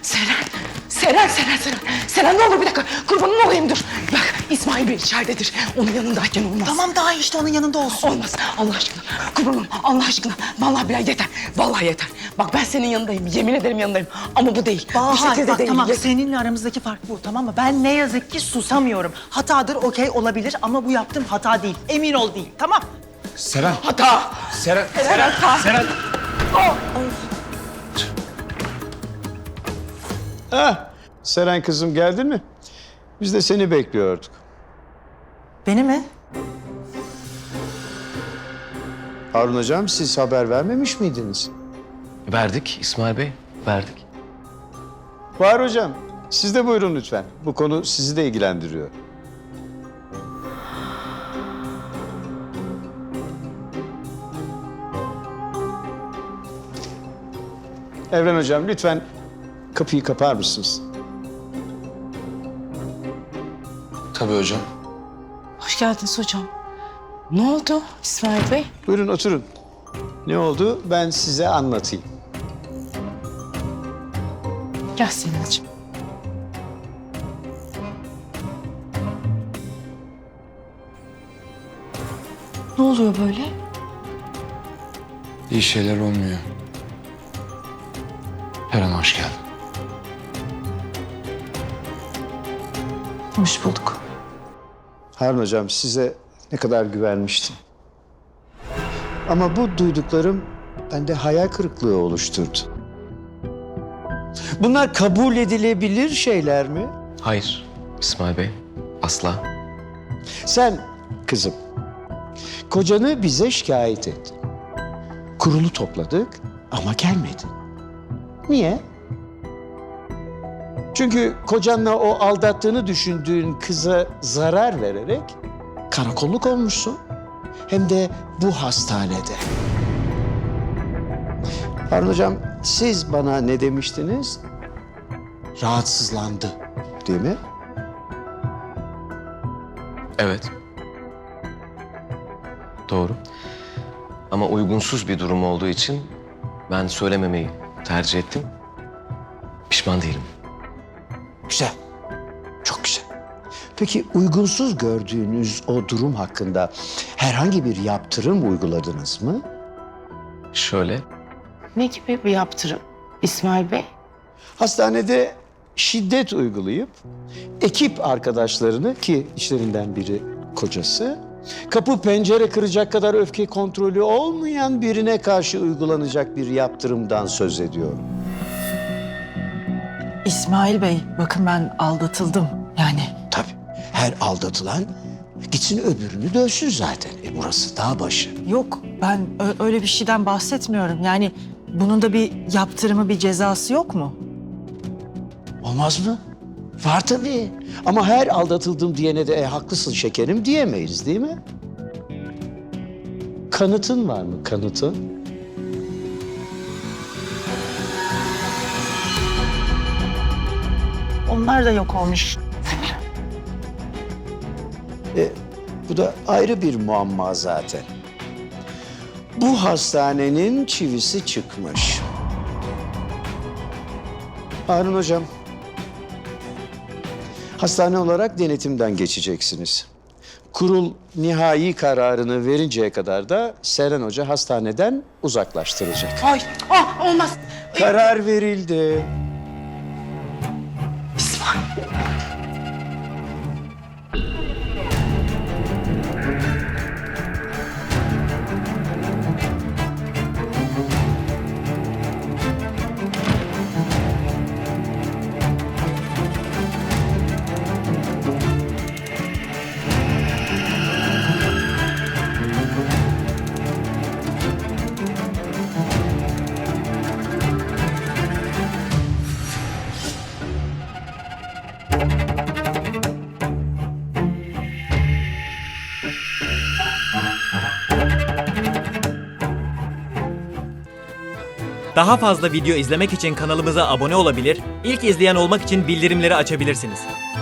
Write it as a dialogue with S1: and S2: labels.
S1: Seren ne olur bir dakika. Kurbanın olayım dur. Bak İsmail Bey içeridedir. Onun yanındayken olmaz.
S2: Tamam daha iyi işte onun yanında olsun.
S1: Olmaz Allah aşkına. Kurbanım Allah aşkına. Vallahi billahi yeter. Vallahi yeter. Bak ben senin yanındayım. Yemin ederim yanındayım. Ama bu değil. Bu
S2: Bahar
S1: şekilde
S2: bak
S1: değil.
S2: tamam
S1: Yeter.
S2: seninle aramızdaki fark bu tamam mı? Ben ne yazık ki susamıyorum. Hatadır okey olabilir ama bu yaptığım hata değil. Emin ol değil tamam.
S3: Seren.
S1: Hata.
S3: Seren.
S1: Hata.
S3: Seren.
S4: Seren kızım geldin mi? Biz de seni bekliyorduk.
S2: Beni mi?
S4: Harun hocam siz haber vermemiş miydiniz?
S5: Verdik İsmail Bey, verdik.
S4: Bahar hocam siz de buyurun lütfen. Bu konu sizi de ilgilendiriyor. Evren hocam lütfen kapıyı kapar mısınız?
S3: Tabii hocam.
S1: Hoş geldiniz hocam. Ne oldu İsmail Bey?
S4: Buyurun oturun. Ne oldu ben size anlatayım.
S1: Gel Selin'ciğim. Ne oluyor böyle?
S3: İyi şeyler olmuyor. Eren hoş geldin.
S1: Hoş bulduk.
S4: Harun hocam size ne kadar güvenmiştim. Ama bu duyduklarım bende hayal kırıklığı oluşturdu. Bunlar kabul edilebilir şeyler mi?
S5: Hayır İsmail Bey, asla.
S4: Sen kızım, kocanı bize şikayet ettin. Kurulu topladık ama gelmedin. Niye? Çünkü kocanla o aldattığını düşündüğün kıza zarar vererek karakolluk olmuşsun. Hem de bu hastanede. Harun hocam siz bana ne demiştiniz? Rahatsızlandı değil mi?
S5: Evet. Doğru. Ama uygunsuz bir durum olduğu için ben söylememeyi tercih ettim. Pişman değilim.
S4: Güzel. Çok güzel. Peki uygunsuz gördüğünüz o durum hakkında herhangi bir yaptırım uyguladınız mı?
S5: Şöyle,
S1: Ne gibi bir yaptırım İsmail Bey?
S4: Hastanede şiddet uygulayıp ekip arkadaşlarını ki işlerinden biri kocası kapı pencere kıracak kadar öfke kontrolü olmayan birine karşı uygulanacak bir yaptırımdan söz ediyorum.
S2: İsmail Bey bakın ben aldatıldım yani.
S4: Tabii her aldatılan gitsin öbürünü dövsün zaten. Burası dağ başı.
S2: Yok ben öyle bir şeyden bahsetmiyorum. Yani bunun da bir yaptırımı bir cezası yok mu?
S4: Olmaz mı? Var tabii. Ama her aldatıldım diyene de haklısın şekerim diyemeyiz değil mi? Kanıtın var mı kanıtın?
S2: Onlar da yok olmuş.
S4: Bu da ayrı bir muamma zaten. Bu hastanenin çivisi çıkmış. Harun hocam, hastane olarak denetimden geçeceksiniz. Kurul nihai kararını verinceye kadar da Seren Hoca hastaneden uzaklaştıracak.
S1: Ay, olmaz.
S4: Karar verildi.
S1: İsmail.
S6: Daha fazla video izlemek için kanalımıza abone olabilir, ilk izleyen olmak için bildirimleri açabilirsiniz.